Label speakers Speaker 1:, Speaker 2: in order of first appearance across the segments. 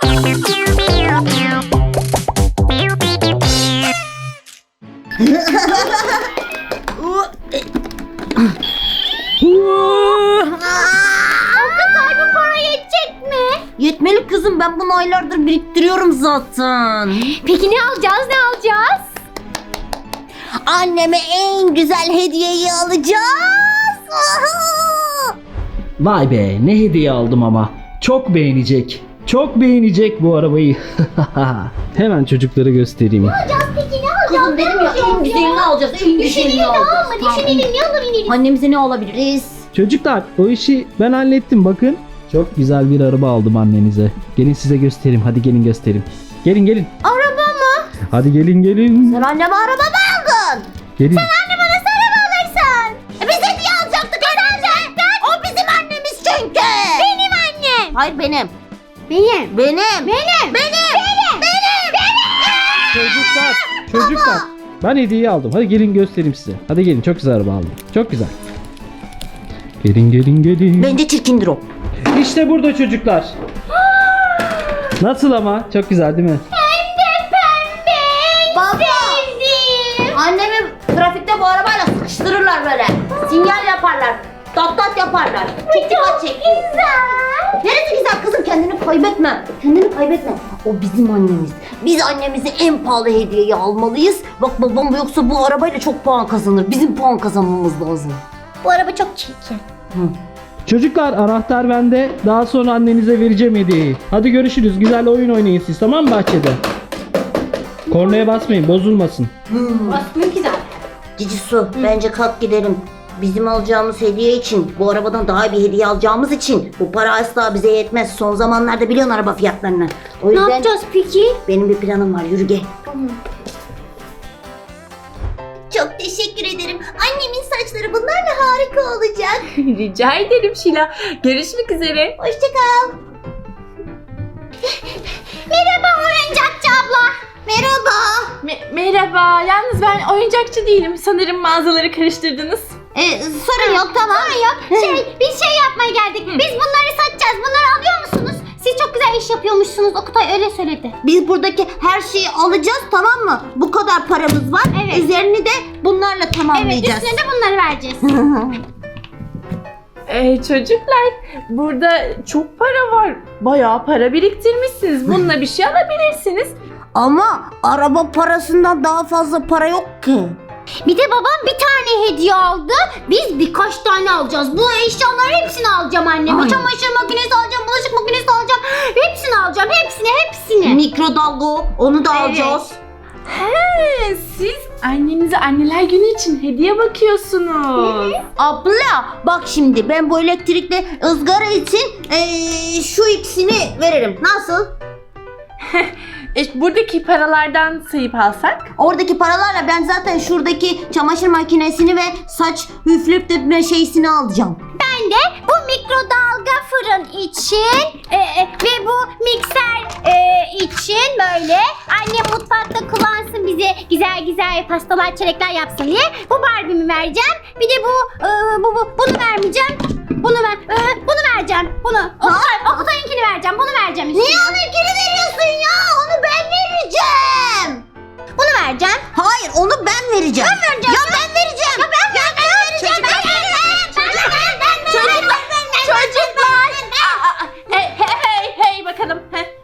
Speaker 1: Okutay, bu para yetecek mi?
Speaker 2: Yetmeli kızım, ben bunu aylardır biriktiriyorum zaten.
Speaker 1: Peki ne alacağız?
Speaker 2: Anneme en güzel hediyeyi alacağız.
Speaker 3: Vay be, ne hediye aldım ama. Çok beğenecek. Çok beğenecek bu arabayı. Hemen çocuklara göstereyim.
Speaker 1: Peki ne
Speaker 2: Kızım dedim ya, en güzelini alacağız. En güzelini alacağız.
Speaker 1: Düşünelim, ne alabiliriz?
Speaker 2: Annemize ne alabiliriz?
Speaker 3: Çocuklar, o işi ben hallettim bakın. Çok güzel bir araba aldım annenize. Gelin size göstereyim. Hadi gelin göstereyim. Gelin.
Speaker 1: Araba mı?
Speaker 3: Hadi gelin.
Speaker 2: Sen anneme araba mı aldın?
Speaker 3: Gelin.
Speaker 1: Anne, bana sen araba alırsın.
Speaker 2: Biz hediye alacaktık annemize. O bizim annemiz çünkü.
Speaker 1: Benim annem.
Speaker 2: Hayır benim.
Speaker 1: Benim.
Speaker 3: Çocuklar. Ben hediyeyi aldım. Hadi gelin göstereyim size. Hadi gelin, çok güzel araba aldım. Çok güzel. Gelin.
Speaker 2: Bence çirkindir o.
Speaker 3: İşte burada çocuklar. Nasıl ama? Çok güzel değil mi?
Speaker 2: Baba. Annemi trafikte bu arabayla sıkıştırırlar böyle. Sinyal yaparlar. Dat yaparlar. Çok dikkat çekiyor.
Speaker 1: Güzel.
Speaker 2: Neresi güzel kızım, kendini kaybetme. O bizim annemiz. Biz annemize en pahalı hediyeyi almalıyız. Bak babam, yoksa bu arabayla çok puan kazanır. Bizim puan kazanmamız lazım.
Speaker 1: Bu araba çok çirkin.
Speaker 3: Çocuklar, anahtar bende. Daha sonra annenize vereceğim hediyeyi. Hadi görüşürüz. Güzel oyun oynayın siz, tamam mı bahçede? Kornaya basmayın, bozulmasın.
Speaker 1: Basmıyor güzel.
Speaker 2: Cici Su, bence kalk gidelim. Bizim alacağımız hediye için, bu arabadan daha iyi bir hediye alacağımız için bu para asla bize yetmez. Son zamanlarda biliyorsun araba fiyatlarını. O
Speaker 1: Ne
Speaker 2: yüzden
Speaker 1: yapacağız peki?
Speaker 2: benim bir planım var. Yürü gel. Çok teşekkür ederim. Annemin saçları bunlarla harika olacak.
Speaker 4: Rica ederim Şila. Görüşmek üzere.
Speaker 2: Hoşça kal.
Speaker 1: Merhaba oyuncakçı abla.
Speaker 2: Merhaba.
Speaker 4: Merhaba. Yalnız ben oyuncakçı değilim. Sanırım mağazaları karıştırdınız.
Speaker 2: Sorun yok, tamam.
Speaker 1: Biz şey yapmaya geldik. Biz bunları satacağız. Bunları alıyor musunuz? Siz çok güzel iş yapıyormuşsunuz. Okutay öyle söyledi.
Speaker 2: Biz buradaki her şeyi alacağız, tamam mı? Bu kadar paramız var.
Speaker 1: Evet.
Speaker 2: Üzerini de bunlarla
Speaker 1: Evet,
Speaker 2: tamamlayacağız.
Speaker 1: üstüne de bunları vereceğiz.
Speaker 4: Çocuklar, burada çok para var. Bayağı para biriktirmişsiniz. Bununla bir şey alabilirsiniz.
Speaker 2: Ama araba parasından daha fazla para yok ki.
Speaker 1: Bir de babam bir tane hediye aldı. Biz birkaç tane alacağız. Bu eşyaların hepsini alacağım anneme.
Speaker 2: Aynen.
Speaker 1: Çamaşır makinesi alacağım, bulaşık makinesi alacağım. Hepsini alacağım. Hepsini.
Speaker 2: Mikrodalga, onu da
Speaker 1: Evet.
Speaker 2: alacağız.
Speaker 4: Siz annenize anneler günü için hediye bakıyorsunuz.
Speaker 2: Abla bak, şimdi ben bu elektrikli ızgara için şu ikisini veririm. Nasıl?
Speaker 4: Buradaki paralardan sayıp alsak?
Speaker 2: Oradaki paralarla ben zaten şuradaki çamaşır makinesini ve saç üflüp şeysini alacağım.
Speaker 1: Ben de bu mikrodalga fırın için ve bu mikser için böyle annem mutfakta kullansın, bize güzel pastalar, çörekler yapsın diye bu Barbie'mi vereceğim. Bir de bunu vermeyeceğim. Bunu vereceğim. Okutay'ınkini vereceğim. Bunu vereceğim işte.
Speaker 2: Niye onunkini veriyorsun ya? Onu ben vereceğim.
Speaker 1: Bunu vereceğim.
Speaker 2: Hayır, onu ben vereceğim.
Speaker 1: Ben vereceğim.
Speaker 2: Ya ben vereceğim.
Speaker 1: Ya ben vereceğim.
Speaker 4: Çocuklar! Hey bakalım.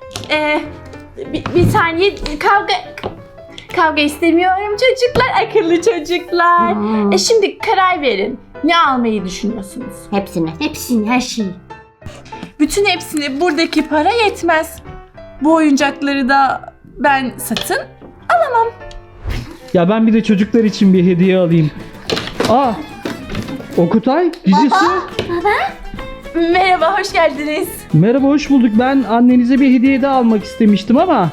Speaker 4: Bir saniye, kavga istemiyorum çocuklar, akıllı çocuklar. Şimdi karar verin. Ne almayı düşünüyorsunuz?
Speaker 2: Hepsini.
Speaker 1: Her şeyi.
Speaker 4: Bütün hepsini, buradaki para yetmez. Bu oyuncakları da ben satın alamam.
Speaker 3: Ya ben bir de çocuklar için bir hediye alayım. Okutay, Cici Su.
Speaker 4: Merhaba, hoş geldiniz.
Speaker 3: Merhaba, hoş bulduk. Ben annenize bir hediye de almak istemiştim ama.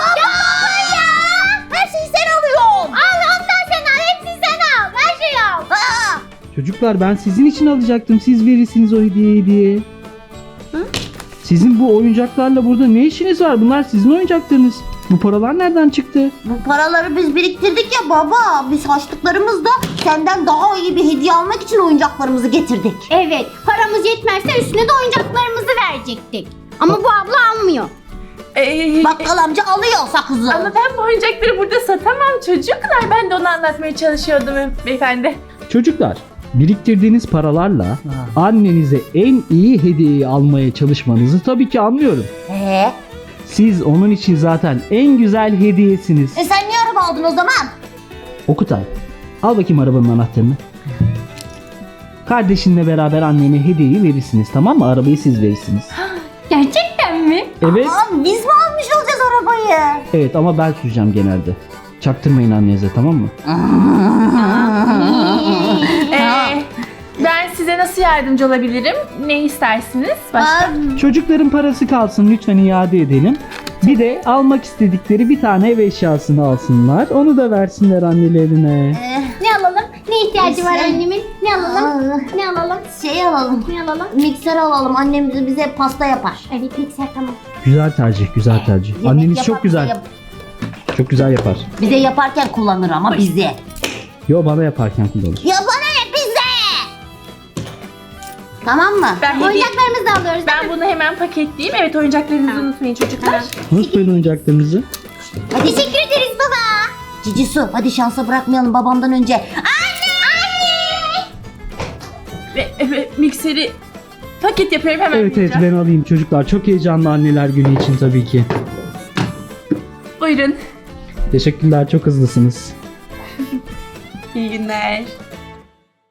Speaker 2: Her şeyi sen alıyorsun.
Speaker 1: Al, ondan sen al. Hepsini sen al. Her şeyi al.
Speaker 3: Çocuklar, ben sizin için alacaktım. Siz verirsiniz o hediyeyi diye. Sizin bu oyuncaklarla burada ne işiniz var? Bunlar sizin oyuncaklarınız. Bu paralar nereden çıktı?
Speaker 2: Bu paraları biz biriktirdik ya baba. Biz harçlıklarımızla senden daha iyi bir hediye almak için oyuncaklarımızı getirdik.
Speaker 1: Evet, paramız yetmezse üstüne de oyuncaklarımızı verecektik. Ama bu abla almıyor.
Speaker 2: Bakkal amca alıyor sakızı.
Speaker 4: Ama ben bu oyuncakları burada satamam çocuklar. Ben de onu anlatmaya çalışıyordum beyefendi.
Speaker 3: Çocuklar, biriktirdiğiniz paralarla annenize en iyi hediyeyi almaya çalışmanızı tabii ki anlıyorum. Siz onun için zaten en güzel hediyesiniz.
Speaker 2: Sen niye araba aldın o zaman?
Speaker 3: Okutay, al bakayım arabanın anahtarını. Kardeşinle beraber annene hediyeyi verirsiniz, tamam mı? Arabayı siz verirsiniz.
Speaker 1: Gerçekten mi?
Speaker 3: Evet.
Speaker 2: Biz mi almış olacağız arabayı?
Speaker 3: Evet ama ben süreceğim genelde. Çaktırmayın annenize, tamam mı?
Speaker 4: Ben size nasıl yardımcı olabilirim? Ne istersiniz? Başka?
Speaker 3: Çocukların parası kalsın, lütfen iade edelim. Bir de almak istedikleri bir tane ev eşyasını alsınlar. Onu da versinler annelerine.
Speaker 1: Ne alalım? Ne ihtiyacı var
Speaker 2: Sen-
Speaker 1: annemin? Ne alalım? Ne alalım?
Speaker 2: Şey alalım.
Speaker 1: Ne alalım?
Speaker 2: Mikser alalım. Annem bize pasta yapar.
Speaker 1: Evet mikser tamam.
Speaker 3: Güzel tercih, güzel tercih.
Speaker 2: Yemek
Speaker 3: Anneniz
Speaker 2: yapar,
Speaker 3: çok güzel.
Speaker 2: bize yap-
Speaker 3: Çok güzel yapar.
Speaker 2: Bize yaparken kullanır ama bize.
Speaker 3: Yo, bana yaparken kullanır.
Speaker 2: Ya bana ne bize? Tamam mı?
Speaker 4: Ben, hediye-
Speaker 1: Oyuncaklarımızı da alıyoruz.
Speaker 4: ben bunu hemen paketleyeyim. Evet, oyuncaklarınızı unutmayın çocuklar.
Speaker 3: Unutmayın oyuncaklarınızı.
Speaker 1: Teşekkür ederiz baba.
Speaker 2: Cicisu hadi şansa bırakmayalım babamdan önce.
Speaker 4: Ve mikseri paket yapıyorum hemen.
Speaker 3: Evet evet,
Speaker 4: vereceğim.
Speaker 3: ben alayım çocuklar. Çok heyecanlı anneler günü için tabii ki.
Speaker 4: Buyurun.
Speaker 3: Teşekkürler, çok hızlısınız.
Speaker 4: İyi günler.